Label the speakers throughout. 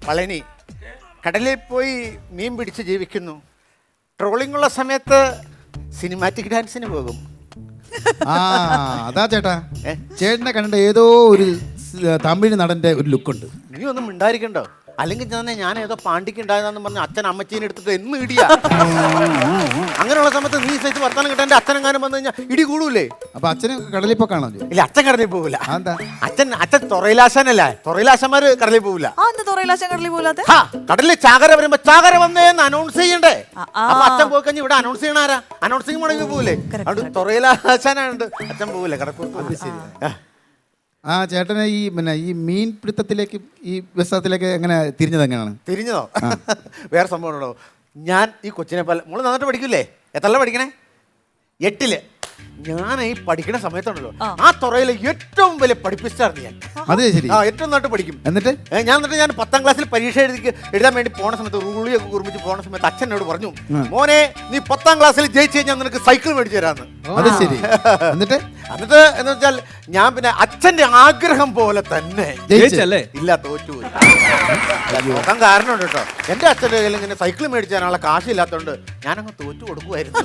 Speaker 1: പളനി കടലിൽ പോയി മീൻ പിടിച്ച് ജീവിക്കുന്നു. ട്രോളിംഗ് ഉള്ള സമയത്ത് സിനിമാറ്റിക് ഡാൻസിന് പോകും.
Speaker 2: അതാ ചേട്ടാ, ചേട്ടനെ കണ്ട ഏതോ ഒരു തമിഴ് നടന്റെ ഒരു ലുക്കുണ്ട്.
Speaker 1: നീ ഒന്നും മിണ്ടായിരിക്കണ്ടോ? അല്ലെങ്കിൽ ഞാൻ ഏതോ പാണ്ടിക്ക് ഉണ്ടായതാന്ന് പറഞ്ഞ അച്ഛൻ അമ്മച്ചീനെ എടുത്തിട്ട് എന്ന് ഇടിയാ. അങ്ങനെയുള്ള സമയത്ത് നീ സൈസ് വർത്താനം കിട്ടാൻ എന്റെ അച്ഛനെങ്ങാനും വന്നു കഴിഞ്ഞാൽ ഇടി കൂടൂലേ?
Speaker 2: അപ്പൊ അച്ഛന് കടലിൽ പോക്കാണോ?
Speaker 1: ഇല്ല, അച്ഛൻ കടലിൽ പോകില്ല. അച്ഛൻ തൊറയിലാശാനല്ല, തൊറയിലാശന്മാര് കടലിൽ പോകില്ല. കടലിൽ ചാകര വരുമ്പോ ചാകര വന്നേന്ന് അനൗൺസ് ചെയ്യണ്ടേ? അപ്പൊ അച്ഛൻ പോയി കഴിഞ്ഞാൽ ഇവിടെ അനൗൺസ് ചെയ്യണ ആരാ? അനൗൺസിങ് മുടങ്ങി പോകില്ലേ? അതുകൊണ്ട് തൊറയിലാശാനുണ്ട്, അച്ഛൻ പോകില്ല കടപ്പുറത്ത്.
Speaker 2: ചേട്ടനെ ഈ മീൻ പിടുത്തത്തിലേക്ക് ഈ വ്യവസായത്തിലേക്ക് എങ്ങനെ തിരിഞ്ഞത്? എങ്ങനെയാണ്
Speaker 1: തിരിഞ്ഞതോ? വേറെ സംഭവം ഉണ്ടോ? ഞാൻ ഈ കൊച്ചിനെ പോലെ മോള് നന്നായിട്ട് പഠിക്കൂലേ? എത്രല്ല പഠിക്കണേ? 8ല്. ഞാൻ ഈ പഠിക്കുന്ന സമയത്തുണ്ടല്ലോ ആ തുറയിലെ ഏറ്റവും വലിയ പഠിപ്പിച്ചായിരുന്നു ഞാൻ.
Speaker 2: അതെ ശരി.
Speaker 1: ഏറ്റവും നന്നായിട്ട് പഠിക്കും.
Speaker 2: എന്നിട്ട് ഞാൻ
Speaker 1: 10ാം ക്ലാസ്സിൽ പരീക്ഷ എഴുതാൻ വേണ്ടി പോണ സമയത്ത് റൂളിയൊക്കെ കുറിപ്പിച്ച് പോണ സമയത്ത് അച്ഛനോട് പറഞ്ഞു, മോനെ നീ 10ാം ക്ലാസ്സിൽ ജയിച്ചു കഴിഞ്ഞാൽ നിനക്ക് സൈക്കിൾ മേടിച്ചു തരാന്ന്.
Speaker 2: അത് ശരി. എന്നിട്ട്
Speaker 1: എന്ന് വെച്ചാൽ ഞാൻ പിന്നെ അച്ഛന്റെ ആഗ്രഹം പോലെ തന്നെ ഇല്ല, തോറ്റുപോയി. നോക്കാൻ കാരണമുണ്ട് കേട്ടോ. എന്റെ അച്ഛൻ്റെ കയ്യിൽ ഇങ്ങനെ സൈക്കിൾ മേടിച്ചു തരാനുള്ള കാശില്ലാത്തതുകൊണ്ട് ഞാനങ്ങ് തോറ്റു കൊടുക്കുമായിരുന്നു.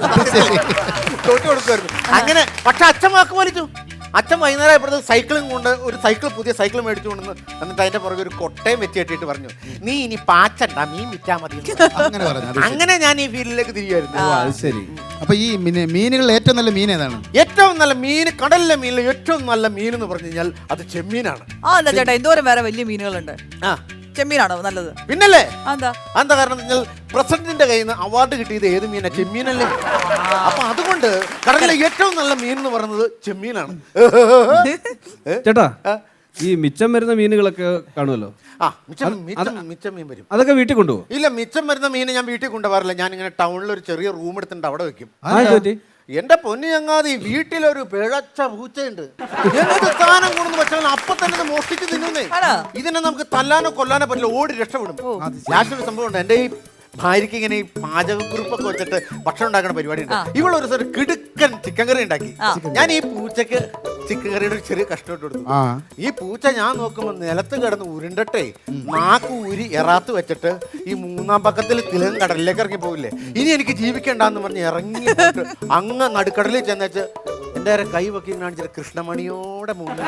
Speaker 1: അങ്ങനെ. പക്ഷെ അച്ഛൻ വാക്ക് വലിച്ചു. അച്ഛൻ വൈകുന്നേരം ആയപ്പോഴത്തെ സൈക്കിളും കൊണ്ട് ഒരു പുതിയ സൈക്കിൾ മേടിച്ചു കൊണ്ടെന്ന് എന്നിട്ട് അതിന്റെ പുറകെ ഒരു കൊട്ടയും വെച്ച് കെട്ടിയിട്ട് പറഞ്ഞു, നീ ഇനി പാച്ചണ്ട, മീൻ വിറ്റാ മതി. അങ്ങനെ ഞാൻ ഈ ഫീൽഡിലേക്ക് തിരികെയായിരുന്നു.
Speaker 2: ശരി. അപ്പൊ ഈ മീനുകളിൽ ഏറ്റവും നല്ല മീൻ ഏതാണ്?
Speaker 1: ഏറ്റവും നല്ല മീൻ, കടലിലെ മീനിൽ ഏറ്റവും നല്ല മീൻ എന്ന് പറഞ്ഞു കഴിഞ്ഞാൽ അത് ചെമ്മീനാണ്.
Speaker 3: ചേട്ടാ, എന്തോരം വേറെ വലിയ മീനുകളുണ്ട്, ചെമ്മീനാണോ നല്ലത്?
Speaker 1: പിന്നല്ലേ. എന്താ കാരണം വെച്ചാൽ പ്രസിഡന്റിന്റെ കയ്യിൽ നിന്ന് അവാർഡ് കിട്ടിയത് ഏത് മീനാ? ചെമ്മീനല്ലേ. അപ്പൊ അതുകൊണ്ട് കടലിലെ ഏറ്റവും നല്ല മീൻ എന്ന് പറയുന്നത് ചെമ്മീനാണ്.
Speaker 4: ചേട്ടാ, ഈ മിച്ചം വരുന്ന മീനുകളൊക്കെ കാണുമല്ലോ.
Speaker 1: മിച്ചം മീൻ വരും.
Speaker 4: അതൊക്കെ വീട്ടിൽ കൊണ്ടുപോകും?
Speaker 1: ഇല്ല, മിച്ചം വരുന്ന മീൻ ഞാൻ വീട്ടിൽ കൊണ്ടുപോകാറില്ല. ഞാൻ ഇങ്ങനെ ടൗണിൽ ഒരു ചെറിയ റൂം എടുത്തിട്ട് അവിടെ വെക്കും. എന്റെ പൊന്നു ചങ്ങാതി, വീട്ടിലൊരു പിഴച്ച പൂച്ചയുണ്ട്. എന്ത് സ്ഥാനം കൊണ്ടു വെച്ചാൽ അപ്പൊ തന്നെ മോഷ്ടിച്ച് തിന്നുന്നേ. ഇതിനെ നമുക്ക് തല്ലാനോ കൊല്ലാനോ പറ്റില്ല, ഓടി രക്ഷപ്പെടും. ലാസ്റ്റ് ഒരു സംഭവം ഉണ്ട്. എന്റെ ഈ ഭാര്യയ്ക്ക് ഇങ്ങനെ ഈ പാചകക്കുറിപ്പൊക്കെ വെച്ചിട്ട് ഭക്ഷണം ഉണ്ടാക്കുന്ന പരിപാടി ഉണ്ട്. ഇവളൊരു സ്ഥലം കിടുക്കൻ ചിക്കൻ കറി ഉണ്ടാക്കി. ഞാൻ ഈ പൂച്ചക്ക് ചിക്കൻ കറിയുടെ ഒരു ചെറിയ കഷ്ണം ഇട്ട് കൊടുത്തു. ഈ പൂച്ച ഞാൻ നോക്കുമ്പോൾ നിലത്ത് കിടന്ന് ഉരുണ്ടട്ടെ നാക്ക് ഊരി എറാത്ത് വെച്ചിട്ട് ഈ 3ാം പക്കത്തിൽ തിലകം കടലിലേക്ക് ഇറങ്ങി പോകില്ലേ, ഇനി എനിക്ക് ജീവിക്കണ്ടെന്ന് പറഞ്ഞ് ഇറങ്ങി അങ്ങ് നടുക്കടലിൽ ചെന്നേച്ച് എന്റെ കൈ വെക്കി കാണിച്ചിട്ട് കൃഷ്ണമണിയോടെ മുന്നിൽ.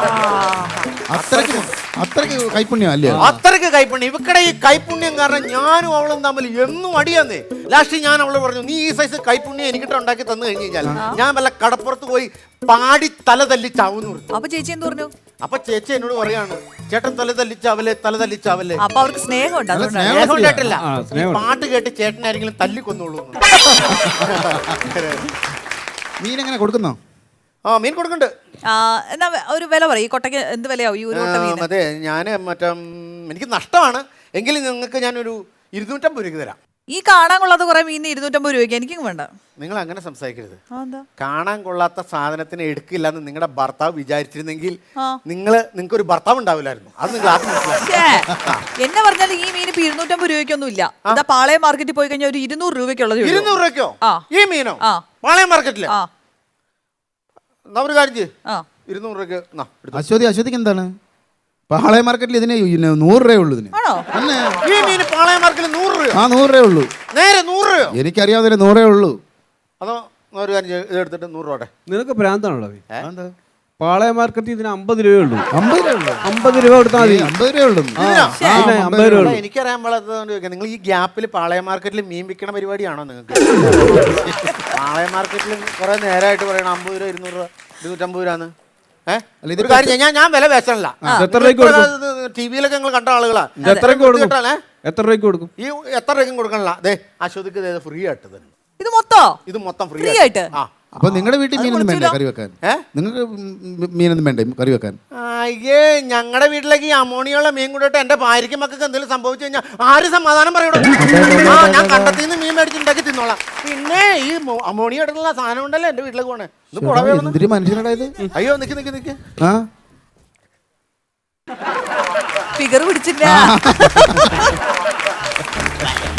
Speaker 2: അത്രയ്ക്ക് കൈപ്പുണ്യം അല്ലേ?
Speaker 1: അത്രയ്ക്ക് കൈപ്പുണ്യം. ഇവക്കടെ ഈ കൈപ്പുണ്യം കാരണം ഞാനും അവളും തമ്മിൽ എന്നും അടിയാന്നേ. ലാസ്റ്റ് ഞാൻ അവള് പറഞ്ഞു, നീ ഈ സൈസ് കൈപ്പുണ്യം എനിക്കിട്ട് ഉണ്ടാക്കി തന്നു കഴിഞ്ഞു കഴിഞ്ഞാൽ ഞാൻ വല്ല കടപ്പുറത്ത് പോയി പാടി തല തല്ലിച്ചാവൂന്ന് പറഞ്ഞു.
Speaker 3: അപ്പൊ ചേച്ചി എന്ത് പറഞ്ഞു?
Speaker 1: അപ്പൊ ചേച്ചി എന്നോട് പറയാണ്, ചേട്ടൻ തല തല്ലിച്ചാവല്ലേ.
Speaker 3: അപ്പൊ അവർക്ക് സ്നേഹമുണ്ട്.
Speaker 1: സ്നേഹം കേട്ടില്ല, പാട്ട് കേട്ട് ചേട്ടനാരെങ്കിലും തല്ലിക്കൊന്നുള്ളൂ.
Speaker 2: മീൻ എങ്ങനെ കൊടുക്കുന്നോ?
Speaker 1: മീൻ കൊടുക്കുന്നുണ്ട്.
Speaker 3: എന്നാ ഒരു വില പറയും, ഈ കൊട്ടയ്ക്ക് എന്ത് വിലയാവും ഈ ഒരു കൊട്ട മീൻ?
Speaker 1: അതെ, ഞാൻ എനിക്ക് നഷ്ടമാണ് എങ്കിലും നിങ്ങൾക്ക് ഞാനൊരു 250 രൂപയ്ക്ക് തരാം.
Speaker 3: ഈ കാണാൻ കൊള്ളാത്ത കുറെ മീൻ 250 രൂപയ്ക്ക് എനിക്കും വേണ്ട.
Speaker 1: നിങ്ങൾ അങ്ങനെ സംസാരിക്കരുത്. കാണാൻ കൊള്ളാത്ത സാധനത്തിന് എടുക്കില്ല എന്ന് നിങ്ങളുടെ ഭർത്താവ് വിചാരിച്ചിരുന്നെങ്കിൽ നിങ്ങൾക്ക് ഒരു ഭർത്താവ് ഉണ്ടാവില്ലായിരുന്നു. അത് നിങ്ങൾ ആദ്യം മനസ്സിലാക്കി.
Speaker 3: എന്നെ പറഞ്ഞാൽ ഈ മീൻ ഇപ്പൊ 250 രൂപയ്ക്കൊന്നും ഇല്ല. എന്താ പാളയം മാർക്കറ്റിൽ പോയി കഴിഞ്ഞാൽ ഒരു 200 രൂപയ്ക്കുള്ളത്.
Speaker 1: 200 രൂപയ്ക്കോ ഈ മീനോ? പാളയം മാർക്കറ്റില് ഒരു കാര്യം ചെയ്യ്, 200 രൂപയ്ക്ക്.
Speaker 2: അശ്വതിക്ക് എന്താണ്? പാളയം മാർക്കറ്റിൽ ഇതിന് 100 രൂപയുള്ളൂ.
Speaker 1: ഈ മീൻ പാളയം മാർക്കറ്റിൽ 100 രൂപ?
Speaker 2: 100 രൂപയുള്ളൂ.
Speaker 1: നേരെ 100 രൂപയോ?
Speaker 2: എനിക്കറിയാവുന്ന 100 ഉള്ളൂ.
Speaker 1: അതോ ഒരു കാര്യം ഇതെടുത്തിട്ട് 100 രൂപ.
Speaker 4: നിനക്ക് ഭ്രാന്താണല്ലോ. പാളയം മാർക്കറ്റിൽ ഇതിന് 50 രൂപയുള്ളൂ.
Speaker 2: 50 രൂപ കൊടുത്താൽ മതി. 50 രൂപയുള്ളൂ.
Speaker 1: എനിക്കറിയാൻ പാടാത്തതുകൊണ്ട് ചോദിക്കാം, നിങ്ങൾ ഈ ഗ്യാപ്പിൽ പാളയം മാർക്കറ്റിൽ മീൻ വിൽക്കണ പരിപാടിയാണോ നിങ്ങൾക്ക്? പാളയം മാർക്കറ്റിൽ കുറെ നേരമായിട്ട് പറയണം 50 രൂപ 200 രൂപ 250 രൂപന്ന്. ഒരു കാര്യം ഞാൻ വില പേശണല്ല. ടിവിയിലൊക്കെ നിങ്ങൾ കണ്ട ആളുകളാ.
Speaker 4: എത്ര രൂപയ്ക്ക് കൊടുക്കും?
Speaker 1: ഈ എത്ര രൂപയ്ക്കും കൊടുക്കണല്ല. അതെ, അശ്വതിക്ക് ഫ്രീ ആയിട്ട് തന്നെ. ഇത് മൊത്തം ഫ്രീ ആയിട്ട്.
Speaker 2: അപ്പൊ നിങ്ങളുടെ വീട്ടിൽ മീനൊന്നും വേണ്ട കറി വെക്കാൻ? നിങ്ങൾക്ക് മീനൊന്നും വേണ്ടേ കറി വെക്കാൻ?
Speaker 1: അയ്യേ, ഞങ്ങളുടെ വീട്ടിലേക്ക് ഈ അമോണിയുള്ള മീൻ കൂടിയിട്ട് എന്റെ ഭാര്യയ്ക്ക് മക്കൾക്ക് എന്തെങ്കിലും സംഭവിച്ചു കഴിഞ്ഞാൽ ആര് സമാധാനം പറയണോ? ഞാൻ കണ്ടത്തിന്ന് മീൻ മേടിച്ചുണ്ടാക്കി തിന്നോളാം. പിന്നെ ഈ അമോണിയ എടുക്കുന്ന സാധനം ഉണ്ടല്ലോ എന്റെ വീട്ടിലേക്ക് പോണേ.
Speaker 2: മനുഷ്യനായത്.
Speaker 1: അയ്യോ, നിക്ക്
Speaker 3: ഫിഗർ പിടിച്ചില്ല.